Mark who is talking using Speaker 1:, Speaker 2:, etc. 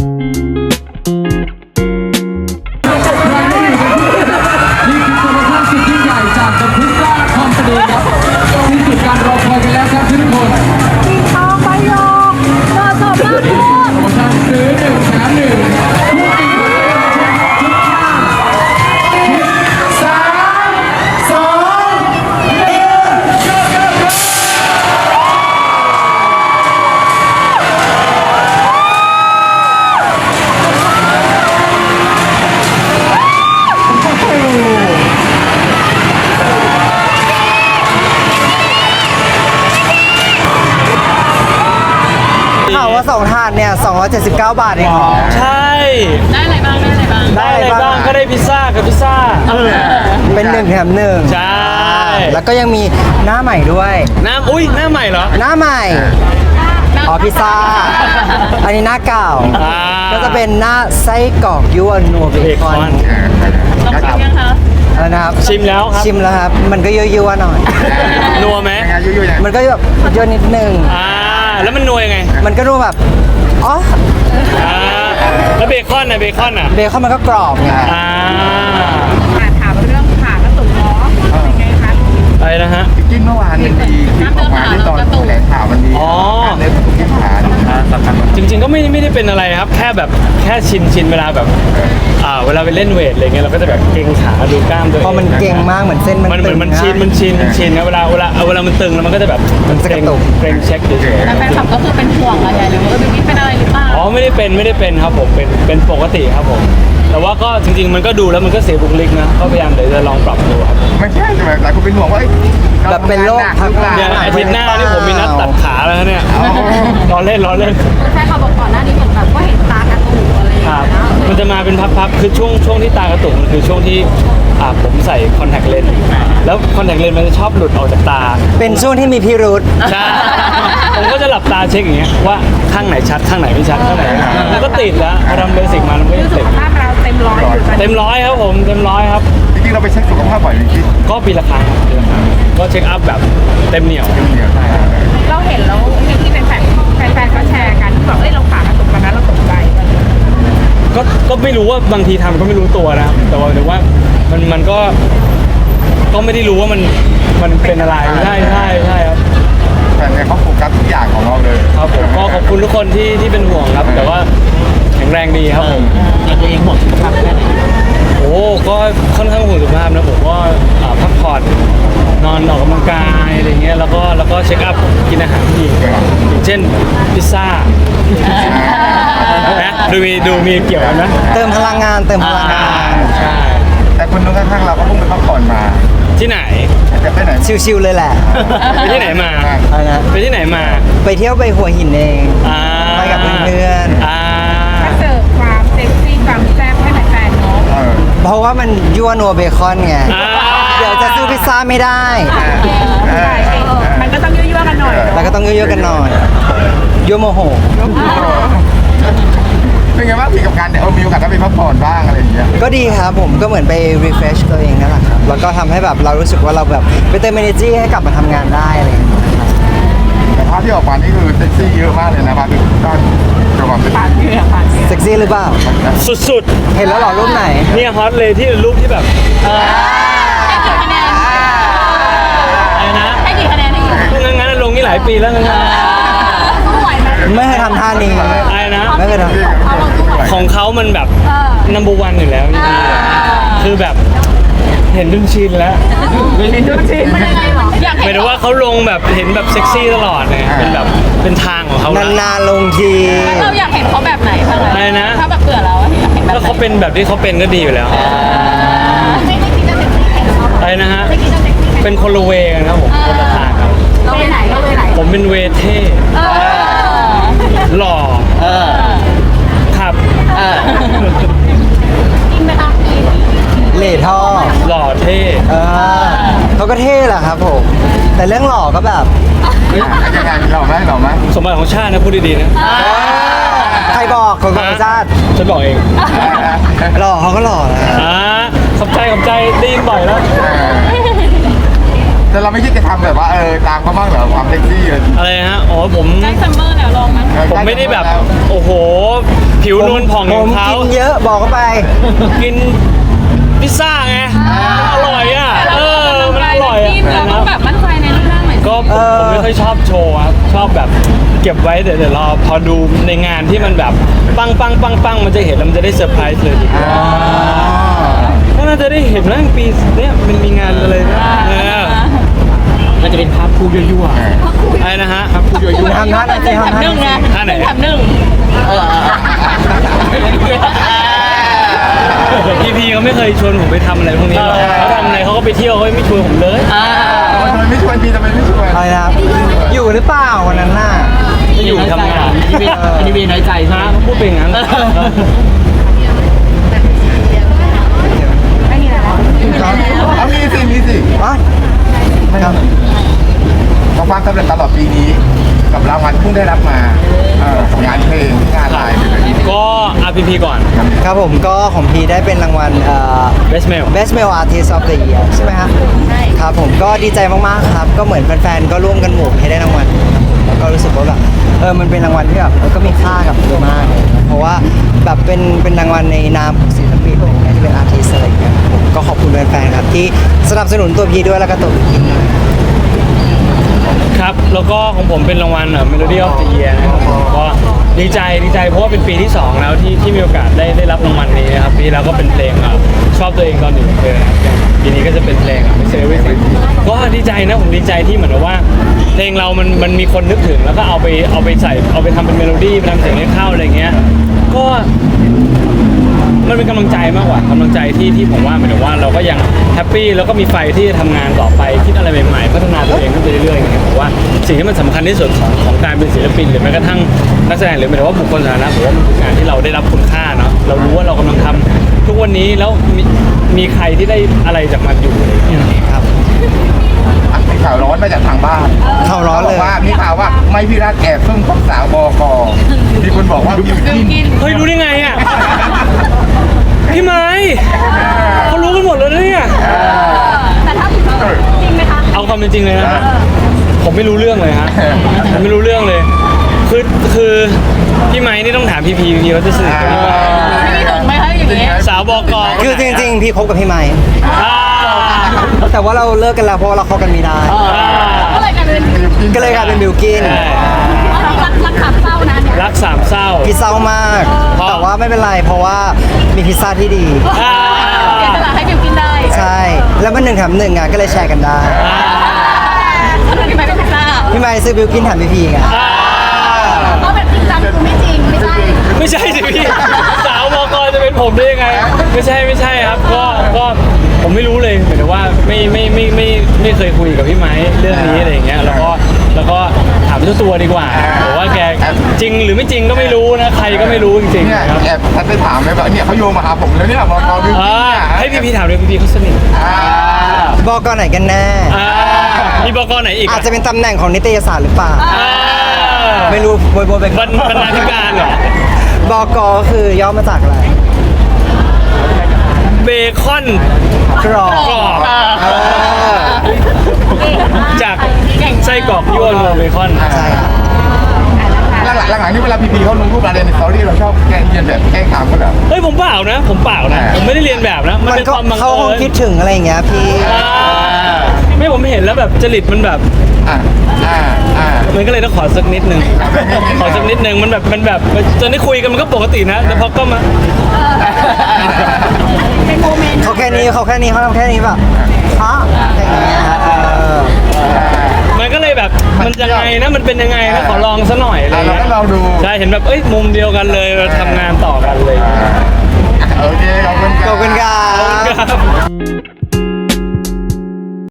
Speaker 1: ว่า2ถาดเนี่ย279 บาทเองเหรอ
Speaker 2: ใช่
Speaker 3: ได้อะไรบ้าง
Speaker 2: ได้อะไรบ้างก็ได้พิซซ่ากับพิซซ่า
Speaker 1: เป็น1 แถม 1
Speaker 2: ใช่
Speaker 1: แล้วก็ยังมีหน้าใหม่ด้วย
Speaker 2: หน้าใหม่เหรอ
Speaker 1: หน้าใหม่อ๋อพิซซ่าอันนี้หน้าเก่าก็จะเป็นหน้าไส้กรอกยั่วนัวเบคอน
Speaker 3: ลองชิมยังคะ
Speaker 1: แล้วนะครับ
Speaker 2: ชิมแล้วครับ
Speaker 1: ชิมแล้วครับมันก็ยั่วๆหน่อย
Speaker 2: นัวไหม
Speaker 1: มันก็แบบยั่วนิดนึง
Speaker 2: แล้วมันนัวยังไง
Speaker 1: มันก็ดูแบบอ๋อ
Speaker 2: แล้วเบคอนน่ะเบคอน
Speaker 1: มันก็กรอบไง
Speaker 3: ถามเรื่องผ่ากระตุกล้อเป็นไงคะ
Speaker 2: อะไรนะฮะ
Speaker 4: กินเมื่อวานมันมีคลิปออกมาที่ตอนแถลงข่าวมันมีการเล่นที่ขา
Speaker 2: จริงๆก็ไม่ได้เป็นอะไรครับแค่ชินเวลาแบบเวลาไปเล่นเวทอะไรเงี้ยเราก็จะแบบเกร็งขาดูกล้ามตัวเอง
Speaker 1: พอมันเกร็งมากเหมือนเส้นมันตึง
Speaker 2: มันชินนะเวลามันตึงแล้วมันก็จะแบบมันเกร็งเช็คเฉยๆ
Speaker 3: แล้วแฟนคลับก็คือเป็นห่วงอะไรหรือว่าบิวกิ้นเป็นอะไรหรือเปล่า
Speaker 2: อ๋อไม่ได้เป็นครับผมเป็นปกติครับผมแต่ว่าก็จริงๆมันก็ดูแล้วมันก็เสียบุคลิกนะก็พยายามเดี๋ยวจะลองปรับดูครับ
Speaker 4: ไม่ใช่แต่หลายคนเป็นห่วงว่า
Speaker 1: แบบเป็นโรคพัก
Speaker 2: เนี่ยอาทิตย์หน้านี่ผมมีนัดตัดขาแล้วเนี่ยล้อเล่น
Speaker 3: แฟนคลับบอกก่อนหน้านี้เหมือนแบบว่าเห็นตากระตุกอะไรอย่างเงี้ย
Speaker 2: มันจะมาเป็นพับๆคือช่วงที่ตากระตุกมันคือช่วงที่ผมใส่คอนแทคเลนส์แล้วคอนแทคเลนส์มันจะชอบหลุดออกจากตา
Speaker 1: เป็นช่วงที่มีพิรุธ
Speaker 2: ใช่ผมก็จะหลับตาเช็คอย่างเงี้ยว่าข้างไหนชัดข้างไหนไม่ชัดข้างไหนแล้วก็ติดแล้วพอทำเบสิกมามันก็ยังติด
Speaker 3: สุขภาพเราเต็มร้อย
Speaker 2: ครับผมเต็มร้อยครับ
Speaker 4: จริงๆเราไปเช็คสุขภาพบ่อยจริง
Speaker 2: ก็ปีละครั้งก็เช็คอัพแบบเต็มเหนียว
Speaker 3: เราเห็นแล้วที่เป็นแฟนเขาแชร์กันบอกเราผ่ากระตุกกันนะเราตกใจ
Speaker 2: ก็ไม่รู้ว่าบางทีทำก็ไม่รู้ตัวนะแต่ว่ามันก็ไม่ได้รู้ว่ามันเป็นอะไรใช่ครับ
Speaker 4: แต่เนี่ยเขาโฟกัสทุกอย่างของเราเลย
Speaker 2: ครับผมก็ขอบคุณทุกคนที่เป็นห่วงครับแต่ว่าแข็งแรงดีครับผม
Speaker 3: ตัวเองห่วงสุขภาพแค่ไหน
Speaker 2: โอ้ก็ค่อนข้างห่วงสุขภาพนะผมก็พักผ่อนนอนออกกำลังกายอะไรเงี้ยแล้วก็เช็คอัพกินอาหารที่ดีอย่างเช่นพิซซ่านะดูมีเกี่ยวกันไหม
Speaker 1: เติมพลังงาน
Speaker 2: ใช่
Speaker 4: แต่คนนู้นข้างๆเราก็เพิ่งไปพักผ่อนมา
Speaker 2: ที่ไหน
Speaker 4: จะไปไหน
Speaker 1: ชิวๆเลยแหละ
Speaker 2: ไปที่ไหนมาไปที่ไหนมา
Speaker 1: ไปเที่ยวไปหัวหินเองไปกับเพื่อน
Speaker 3: ก็เสิร์ฟความเซ็กซี่ความแซ่บให้แฟนๆเนาะ
Speaker 1: เพราะว่ามันยั่วนัวเบคอนไงเดี๋ยวจะซื้อพิซซ่าไม่ได้
Speaker 3: มันก็ต้องยั่วๆกันหน่อย
Speaker 1: แล้วก็ต้องยั่วๆกันหน่อยยั่วโมโห
Speaker 4: เป็นไงบ้างพี่กับการมีโอกาสได้ไปพักผ่อนบ้างอะไรอย่างเงี้ย
Speaker 1: ก็ดีครับผมก็เหมือนไป refresh ตัวเองนั่นแหละครับแล้วก็ทำให้แบบเรารู้สึกว่าเราแบบไปเติม energy ให้กลับมาทำงานได้อะไรอย่างเงี้ย
Speaker 4: แต่ภาพที่ออกมานี่คือเซ็กซี่เยอะมากเลยนะภาพก็จะบอก
Speaker 1: เซ็กซี่หรือเปล่า
Speaker 2: สุด
Speaker 1: เห็นแล้วหรอรูปไหน
Speaker 2: เนี่ยฮอตเลยที่รูปที่แบบ
Speaker 3: ให้กี่คะแนน
Speaker 2: งั้นลงนี่หลายปีแล้วงั้น
Speaker 1: ไม่เคยทำท่านี้
Speaker 2: อะไรนะ
Speaker 1: ไม่เคยท
Speaker 2: ำของเขามันแบบnumber one อยู่แล้วคือแบบเห็นจนชินแล้ว
Speaker 3: มันยังไงหรออยาก
Speaker 2: เห็นว่าเขาลงแบบเห็นแบบเซ็กซี่ตลอดเลยเป็นแบบเป็นทางของเขา
Speaker 1: นานๆลงที
Speaker 3: เราอยากเห็นเขาแบบไหน
Speaker 2: อะไรนะ
Speaker 3: ถ้าแบบเบื่อแล้วอยากเห็นแบบ
Speaker 2: ถ้าเขาเป็นแบบที่เขาเป็นก็ดีอยู่แล้วอะไรนะฮะเป็นคนละเวกันครับผมคนละทางครับ
Speaker 3: เราไปไหน
Speaker 2: ผมเป็นเวเท่หล่อครับ
Speaker 3: กินไปครับ
Speaker 1: เหล่ท่อ
Speaker 2: หล่อเท่
Speaker 1: เขาก็เท่แหละครับผมแต่เรื่องหล่อก็แบบ
Speaker 4: ยังไงหล่อไหม
Speaker 2: สมบัติของชาตินะพูดดีๆนะ
Speaker 1: ใครบอกคนของชาติ
Speaker 2: ฉันบอกเอง
Speaker 1: หล่อเขาก็หล่อนะ
Speaker 2: ขอบใจได้ยินบ่อยแล้ว
Speaker 4: แต่เราไม่คิดจะทำแบบว่าตามเขาบ้างเหรอความเซ็กซี่เลย
Speaker 2: อะไรฮะอ๋อผม
Speaker 3: ใกล้ซัมเมอร์แล้วลองมั้ย
Speaker 2: ผมไม่ได้แบบโอ้โห ผิวนวลผ่องอย่างเขา
Speaker 1: ผมกินเยอะบอกเข้าไป
Speaker 2: กินพิซซ่าไงอร่อยอ่ะมันอร่อยอ่ะ
Speaker 3: เราต้องแบบมั่นใจในรูปร่างหน่อย
Speaker 2: ก็ผมไม่ค่อยชอบโชว์ครับชอบแบบเก็บไว้เดี๋ยวรอพอดูในงานที่มันแบบปังมันจะเห็นแล้วมันจะได้เซอร์ไพรส์เลยก็น่าจะได้เห็นแล้วปีเนี้ยมันมีงานอะไรนะมันจะเป็นภาพคู่ยั่วๆอะไรนะฮะภาพคู่ยั่ว
Speaker 1: ทำหน้าหน่อยสิทำหน้าหน่อยสิ
Speaker 2: ท่าไหน
Speaker 3: ทำหนึ่ง
Speaker 2: พี่เขาไม่เคยชวนผมไปทำอะไรพวกนี้หรอกเขาทำอะไรเขาก็ไปเที่ยวเขาไม่ชวนผมเลย
Speaker 4: ทำไมไม่ชวนพี่ทำไมไม่ชวน
Speaker 1: อะไรนะครับอยู่หรือเปล่าวันนั้นน่ะ
Speaker 2: ไม่อยู่ทำงาน
Speaker 5: อันนี้มีน้อยใจใช่ไหม
Speaker 2: ฮะพูดเป็นอย่างนั้น
Speaker 3: ไม่มีแล้ว
Speaker 4: เอามีสิ
Speaker 1: วะครับ
Speaker 4: ความสำเร็จตลอดปีนี้กับรางวัลเพิ่งได้รับมางานเพลงงานอะไรแบบนี้
Speaker 2: ก็ RPP ก่อน
Speaker 1: ครับผมก็ของพีได้เป็นรางวัล
Speaker 2: Best Male
Speaker 1: Best Male Artist of the Year ใช่ไหมครับครับผมก็ดีใจมากๆครับก็เหมือนแฟนๆก็ร่วมกันโหวตให้ได้รางวัลครับผมแล้วก็รู้สึกว่าแบบมันเป็นรางวัลที่แบบก็มีค่ากับพีมากเลยครับเพราะว่าแบบเป็นรางวัลในนามของศิลปินอะไรอย่างเงี้ยที่เป็นอาร์ติสอะไรอย่างเงี้ยผมก็ขอบคุณแฟนๆครับที่สนับสนุนตัวพีด้วยแล้วก็ตัวพีด้วย
Speaker 2: ครับ แล้วก็ของผมเป็นรางวัลMelody of the Year นะครับผมก็ดีใจเพราะว่าเป็นปีที่ 2 แล้วที่มีโอกาสได้รับรางวัลนี้นะครับปีแล้วก็เป็นเพลงชอบตัวเองตอนหนึ่งเลยนะครับปีนี้ก็จะเป็นเพลงไม่เซอร์วิสก็ดีใจนะผมดีใจที่เหมือนกับว่า เพลงเรามันมีคนนึกถึงแล้วก็เอาไปใส่เอาไปทำเป็นเมโลดี้ไปทำเสียงให้เข้าอะไรเงี้ยก็มันเป็นกำลังใจมากกว่ากำลังใจที่ผมว่าหมายถึงว่าเราก็ยังแฮปปี้แล้วก็มีไฟที่จะทำงานต่อไปคิดอะไรใหม่ๆพัฒนาตัวเองขึ้นไปเรื่อยๆอย่างเงี้ยผมว่าสิ่งที่มันสำคัญที่สุดของการเป็นศิลปินหรือแม้กระทั่งนักแสดงหรือหมายถึงว่าบุคคลสาธารณะผมว่ามันคืองานที่เราได้รับคุณค่าเนาะเรารู้ว่าเรากำลังทำทุกวันนี้แล้วมีใครที่ได้อะไรจากมันอยู่อะไรอย่างเงี้ย
Speaker 1: ครับ
Speaker 4: มีข่าวร้อนมาจากทางบ้าน
Speaker 1: ข่าวร้อนเลย
Speaker 4: ว่ามีข่าวว่าไม่พี่รัฐแอบซุ่มคบสาวบกมีคนบอกว่าบิวกิน
Speaker 2: เฮ้ยรู้ได้ไงอ่ะพี่ไม้เขารู้กันหมดเลยนะเนี่ย
Speaker 3: แต่ถ้าจริงไหมคะ
Speaker 2: เอาความเป็นจริงเลยนะฮะผมไม่รู้เรื่องเลยฮะผมไม่รู้เรื่องเลยคือพี่ไม้นี่ต้องถามพี่เขาจะสนิทกันหรือเปล่า
Speaker 3: ไม่มีถึงไหมคะอย่างนี้
Speaker 2: สาวบก
Speaker 1: คือจริงๆพี่คบกับพี่ไม้แต่ว่าเราเลิกกันแล้วเพราะว่าเราคบกันไม่ได้
Speaker 3: ก็เลยกลายเป็น
Speaker 1: ก็เลยกลายเป็นบิวกิน
Speaker 3: รักสามเศร้านะเนี่ย
Speaker 2: รักสามเศร้า
Speaker 1: พี่เศร้ามาก
Speaker 2: เพราะ
Speaker 1: แต่ว่าไม่เป็นไรเพราะว่ามีพิซซ่าที่ดี
Speaker 3: เสียสละให้บิวกินได้
Speaker 1: ใช่ แล้วมัน1 แถม 1อ่ะก็เลยแชร์กันได้
Speaker 3: ถ้าพี่ไม่เป็นพิซซ่า
Speaker 1: พี่ไม้ซื้อบิวกินแถมพี่พีไง
Speaker 3: เพราะแบบจริงจังคือไม่จริงไม่ใช่
Speaker 2: ไม่ใช่สิพี่สาวบกจะเป็นผมได้ยังไงไม่ใช่ครับก็ผมไม่รู้เลยหมายถึงว่าไม่เคยคุยกับพี่ไม้เรื่องนี้อะไรอย่างเงี้ยแล้วก็ถามเจ้าตัวดีกว่าบอกว่าแกจริงหรือไม่จริงก็ไม่รู้นะใครก็ไม่รู้จริง
Speaker 4: เนี่ย
Speaker 2: ๆครับ
Speaker 4: แอบทัดไปถามไหมว่าเนี่ยเขาโยงมาหาผมแล้วเนี่ยบกบิวกินเนี่ย
Speaker 2: ให้พี่ถามเลยพี่เขาสนิท
Speaker 1: บอกกไหนกันแน่
Speaker 2: มีบกไหนอีก
Speaker 1: อาจจะเป็นตำแหน่งของนิตยสารหรือเปล่า ไม่รู้โบยไป
Speaker 2: บรรณาธิการเหรอ
Speaker 1: บอกกคือย่อมาจากอะไร
Speaker 2: เบคอน
Speaker 1: กรอบ
Speaker 2: กรอบ
Speaker 1: เออ
Speaker 2: จากไส้กรอกยั่วนัวเบคอน
Speaker 1: ใช่ครับ
Speaker 4: หลังๆนี่เวลาพีเขาลงรูปอะไรในสตอรี่เราชอบแกล้งเรียนแบบแกล้งถามเขาเหรอ
Speaker 2: เฮ้ยผมเปล่านะผมไม่ได้เรียนแบบนะมันเป็นความบัง
Speaker 1: เขาคง
Speaker 2: เอิญ
Speaker 1: คิดถึงอะไรอย่างเงี้ยพี่
Speaker 2: ไม่ผมเห็นแล้วแบบจริตมันแบบ
Speaker 4: อ่า
Speaker 2: มันก็เลยต้องขอสักนิดนึงขอสักนิดนึงมันแบบตอนนี้คุยกันมันก็ปกตินะแต่พอก็มา
Speaker 3: เป็นโมเมนต์
Speaker 1: เขาแค่นี้เขาทำแค่นี้แบบอ๋ออย่างเงี้ย
Speaker 2: มันก็เลยแบบมันยังไงนะมันเป็นยังไงนะขอลองซะหน่อยอะไร
Speaker 4: เรา
Speaker 2: เงี้ย
Speaker 4: ก็ลองดู
Speaker 2: ใช่เห็นแบบเอ้ยมุมเดียวกันเลยเราทำงานต่อกันเลย